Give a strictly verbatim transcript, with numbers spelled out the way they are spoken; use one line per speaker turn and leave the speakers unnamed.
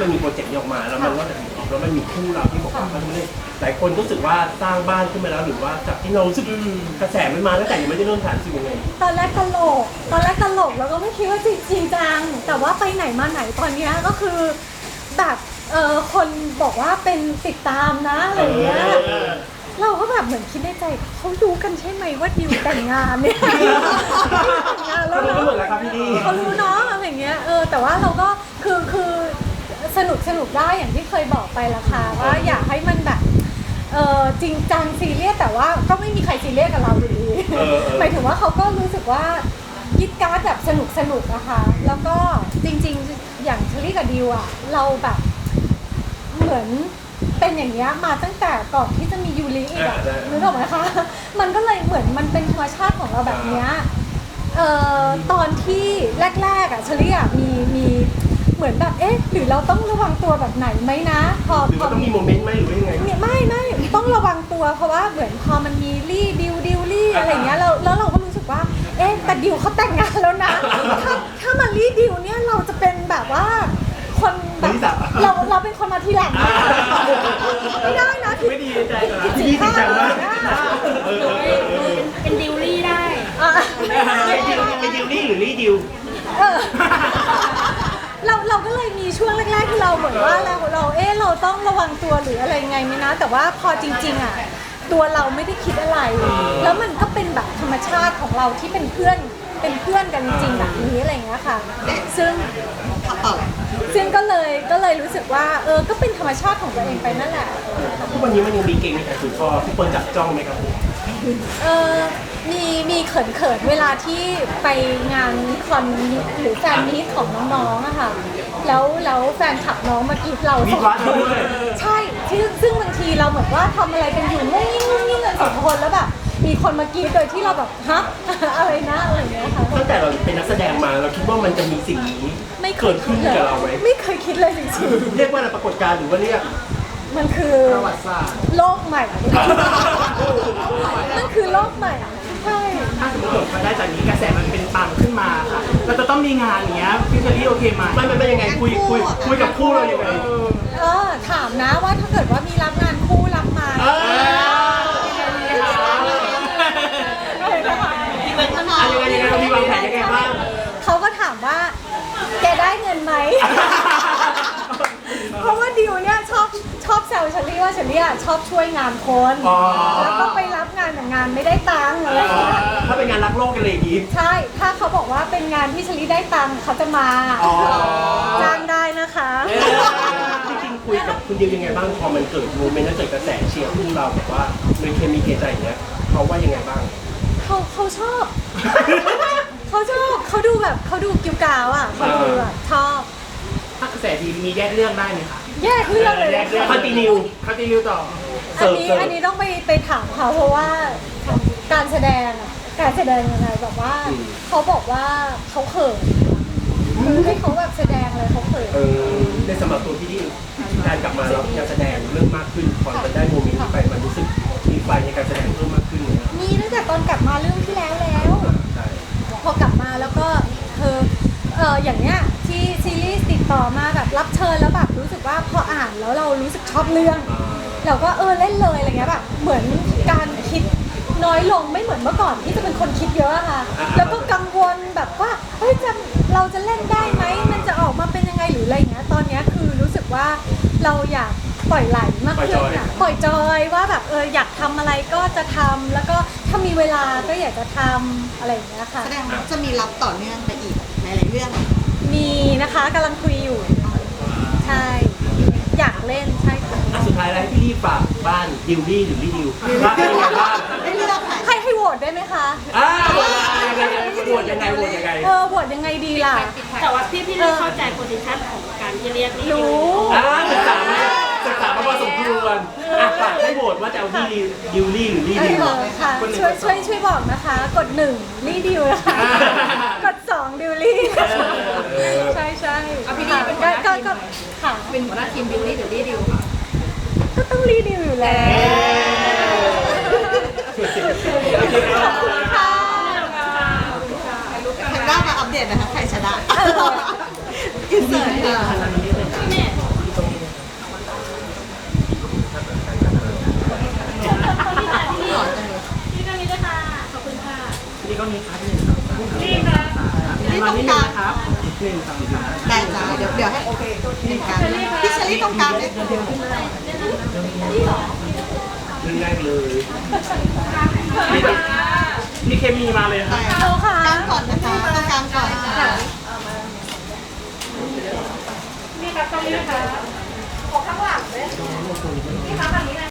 มันมีโปรเจกต์นี้ออกมาแล้วมันก็จะถึงออกแล้วมันมีคู่เราที่บอกว่าเขาไม่ได้หลายคนรู้สึกว่าสร้างบ้านขึ้นมาแล้วหรือว่าจากที่เรารู้สึกกระแสมันมาตั้งแต่ยังไม่ได้เริ่มถ่ายรู้สึกยังไง
ตอนแรกตลกตอนแรกตลกแล้วก็ไม่คิดว่าจริงจริงจังแต่ว่าไปไหนมาไหนตอนนี้ก็คือแบบเออคนบอกว่าเป็นติดตามนะอะไรเงี้ยเราก็แบบเหมือนคิดในใจเขารู้กันใช่ไหมว่าดิวแต่งงานเนี่ยแต่งงานแล้วเนาะเขารู้เนาะอะไรเงี้ยเออแต่ว่าเราก็คือคือสนุกสนุกได้อย่างที่เคยบอกไปละค่ะว่าอยากให้มันแบบเออจริงจังซีเรียสแต่ว่าก็ไม่มีใครซีเรียสกับเราอยู่ดีหมายถึงว่าเขาก็รู้สึกว่ายิดการ์ดแบบสนุกสนุกนะคะแล้วก็จริงๆอย่างเชอรี่กับดิวอะเราแบบเหมือนเป็นอย่างเงี้ยมาตั้งแต่ก่อนที่จะมียูริอีกอะนึกออกไหมคะมันก็เลยเหมือนมันเป็นธรรมชาติของเราแบบเนี้ยเอ่อตอนที่แรกๆอะเชอรี่อะมีมีเหมือนแบบเอ๊ะหรือเราต้องระวังตัวแบบไหนไหมนะพอ
พอต้องมีโมเมนต์ไหมหรือว่ายังไง
ไม่ไม่ต้องระวังตัวเพราะว่าเหมือนพอมันมีรี่ดิวดิวรี่อะไรเงี้ยแล้วแล้วเราก็รู้สึกว่าเอ๊ะแต่ดิวเขาแต่งงานแล้วนะถ้าถ้ามารี่ดิวเนี่ยเราจะเป็นแบบว่าคนแบบเราเราเป็นคนมาทีหลังไม่ได้นะ
ไม่ดีใจเหรอ
ที่
ดีใจมาก
เป็นดิวลี่ได้
เป็นดิวลี่หรือลี่ดิว
เราเราก็เลยมีช่วงแรกๆที่เราเหมือนว่าเราเราเอ๊ะเราต้องระวังตัวหรืออะไรไงไหมนะแต่ว่าพอจริงๆอ่ะตัวเราไม่ได้คิดอะไรแล้วมันก็เป็นแบบธรรมชาติของเราที่เป็นเพื่อนเป็นเพื่อนกันจริงๆแบบนี้อะไรอย่างเงี้ยค่ะซึ่งซึ่งก็เลยก็เลยรู้สึกว่าเออก็เป็นธรรมชาติของตัวเองไปนั่นแหละ
ทุกวันนี้มันยังมีเก่งในการถือคอทุกคนจับจ้องไหมครับ
เออมีมีเขินเขินเวลาที่ไปงานคอนหรือแฟนมีตของน้องๆอะค่ะแล้วแล้วแฟนขับน้องมากรีดเราใช่ที่ซึ่งบางทีเราเหมือนว่าทำอะไรกันอยู่งุ้งงิ้งงุ้งงิ้งกันสองคนแล้วแบบมีคนมากรีดโดยที่เราแบบฮะอะไรนะอะไรเงี้ยค่ะ
ตั้งแต่เราเป็นนักแสดงมาเราคิดว่ามันจะมีสิ่งนี้ไม่เกิดขึ้นกับเราไหม
ไม่เคยคิดเลยจริง
ๆเรียกว่าอะไรปรากฏการณ์หรือว่าเรียก
มันคือ
ประวัติศาสตร์
โลกใหม่มันคือโลกใหม่ใช่
ถ้าสมมติว่าได้จากนี้กระแสมันเป็นปังขึ้นมาค่ะเราจะต้องมีงานอย่างเงี้ยพี่เชอรี่โอเคไหม
มันเป็นยังไงคุยคุยคุยกับคู่เรายังไง
เออถามนะว่าถ้าเกิดว่ามีรับงานคู่รับมา
ยังไงยังไงมีวางแผนยังไงบ้าง
เขาก็ถามว่าแกได้เงินไหมเพราะว่าดิวเนี่ยชอบชอบแซวเชอรี่ว่าเชอรี่ชอบช่วยงานคนแล้วก็ไปรับงานแต่งานไม่ได้ตังค์อะไรอย่างเงี้ย
ถ้าเป็นงานรักโลกกันเลยอีก
ใช่ถ้าเขาบอกว่าเป็นงานที่เชอรี่ได้ตังค์เขาจะมาจ้างได้นะคะ
จริงๆคุยกับคุณดิวยังไงบ้างพอมันเกิดโมเมนต์แล้วเกิดกระแสเชียร์คู่เราแบบว่าเลยเคมีเกใจอย่างเงี้ยเขาว่ายังไงบ้าง
เขาเขาชอบเขาชอบเขาดูแบบเขาดูกิ้วกาวอ่ะเขาดูแบบชอบ
ถ้ากระแสดีมีแยกเรื่องได้ไหมคะ
แยกเรื่องเลย
คอนติเนีย
คอนติเนียต่อ
อันนี้อันนี้ต้องไปไปถามเขาเพราะว่าการแสดงอ่ะการแสดงยังไงแบบว่าเขาบอกว่าเขาเขินคือให้เขาแบบแสดงเลยเขาเขิน
ในสำหรับตัวพี่ดิวการกลับมาแล้วการแสดงเริ่มมากขึ้นพอมันได้โมเมนต์ไปมันรู้สึกมีไฟในการแสดงเพิ่มมากขึ้นเลย
มีตั้งแต่ตอนกลับมาเรื่องที่แล้วแล้วพอกลับมาแล้วก็เธอเอออย่างเนี้ยที่ซีรีส์ติดต่อมาแบบรับเชิญแล้วแบบรู้สึกว่าพออ่านแล้วเรารู้สึกชอบเรื่องเราก็เออเล่นเลยอะไรเงี้ยแบบเหมือนการคิดน้อยลงไม่เหมือนเมื่อก่อนที่จะเป็นคนคิดเยอะค่ะแล้วก็กังวลแบบว่าเฮ้ยจะเราจะเล่นได้ไหมมันจะออกมาเป็นยังไงหรืออะไรเงี้ยตอนนี้คือรู้สึกว่าเราอยากปล่อยไหลมากขึ้นอ่ะปล่อยจอยว่าแบบเอออยากทำอะไรก็จะทำแล้วก็ถ้ามีเวลาก็อยากจะทำอะไรอย่างเงี้ยค่ะ
แสดงว่าจะมีรับต่อเนื่องไปอีกในหลายเรื่อง
มีนะคะกำลังคุยอยู่ใช่อยากเล่นใช่ค่ะ
สุดท้ายแล้วพี่รีบฝากบ้านดิวลี่หรือลี่ดิวว่าเป็นยังไงบ้าง
ให้เลือก
ให้ให้โหวตได้ไหมคะ
อ่าโหวตยังไงโหวตยังไงโหวตยังไง
เออโหวตยังไงดีล่ะ
แต่ว่าพี่พี่เลือกเข้าใจโพสิชันของการที่เรียกนี่
รู้
อ่าศึกษาศึกษามาพอสมควรอ่ะฝากให้โหวตว่าจะเอาที่ดิวลี่หรือลี่ดิว
ค่ะช่วยช่วยช่วยบอกนะคะกดหนึ่งลี่ดิวนะคะกดสองดิวลี่ใช่ใช่
เอาพี่ดีเป็นหัวหน้าทีม
ค่ะ
เป็นหัวหน้าทีมดิวลี่หรือลี่ดิวค่ะ
ก็ต้องลี่ดิวอยู่แล้วขอบคุณค่ะ
แพนด้ามาอัปเดตนะคะใครชนะอินเสิร์ตค่ะ
ลี่ก็มีครับหนึ่งสองสามนี่นะมานิดนึงนะครับหนึ่งสองสาม
ได้จ้าเดี๋ยวเดี๋ยวให้โอเคเป็นการพี่เชอรี่ตรงกลางเลย
เรื่องแรกเลย
พี่เคมีมาเลยครับ
เอาค่ะ
กลางก่อนนะ